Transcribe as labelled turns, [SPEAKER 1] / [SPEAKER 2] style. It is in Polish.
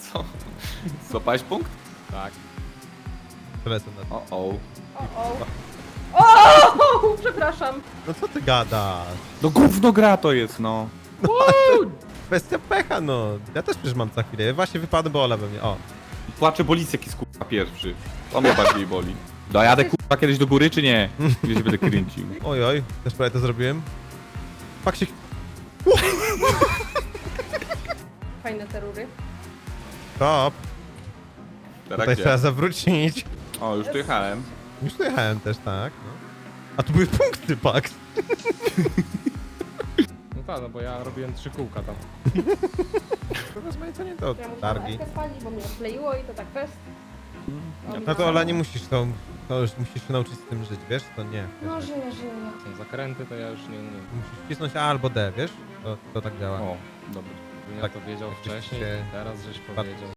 [SPEAKER 1] Co? Złapałeś punkt?
[SPEAKER 2] Tak.
[SPEAKER 3] Lecę na to.
[SPEAKER 1] O.
[SPEAKER 4] O! Przepraszam.
[SPEAKER 3] No co ty gadasz?
[SPEAKER 1] No gówno gra to jest, no.
[SPEAKER 3] Kwestia pecha, no. Ja też przecież mam za chwilę. Ja właśnie wypadłem, bo Ola we mnie. O.
[SPEAKER 1] Płacze Bolisek jest kurwa pierwszy. To mnie bardziej boli. Dojadę kurwa kiedyś do góry, czy nie? Gdzie się będę kręcił?
[SPEAKER 3] Oj, oj. Też prawie to zrobiłem. Paksik.
[SPEAKER 4] Fajne te rury.
[SPEAKER 3] Top.
[SPEAKER 1] Teraz
[SPEAKER 3] Tutaj
[SPEAKER 1] gdzie?
[SPEAKER 3] trzeba zawrócić.
[SPEAKER 1] O, już tu jechałem.
[SPEAKER 3] Już tu jechałem też, tak. No. A tu były punkty, Pax.
[SPEAKER 2] No tak, no bo ja robiłem 3 kółka tam.
[SPEAKER 3] To rozmaicenie to
[SPEAKER 4] Ja muszę
[SPEAKER 3] targi.
[SPEAKER 4] F spalić, bo mnie odkleiło i to tak fest.
[SPEAKER 3] No to Ola, nie musisz to już musisz się nauczyć z tym żyć, wiesz? To nie.
[SPEAKER 4] No żyję.
[SPEAKER 2] Są zakręty, to ja już nie umiem.
[SPEAKER 3] Musisz wcisnąć A albo D, wiesz? To tak działa.
[SPEAKER 1] O, dobra.
[SPEAKER 2] Gdybym ja
[SPEAKER 3] Tak,
[SPEAKER 2] to wiedział
[SPEAKER 3] jakbyś
[SPEAKER 2] wcześniej,
[SPEAKER 3] się-
[SPEAKER 2] teraz żeś powiedział.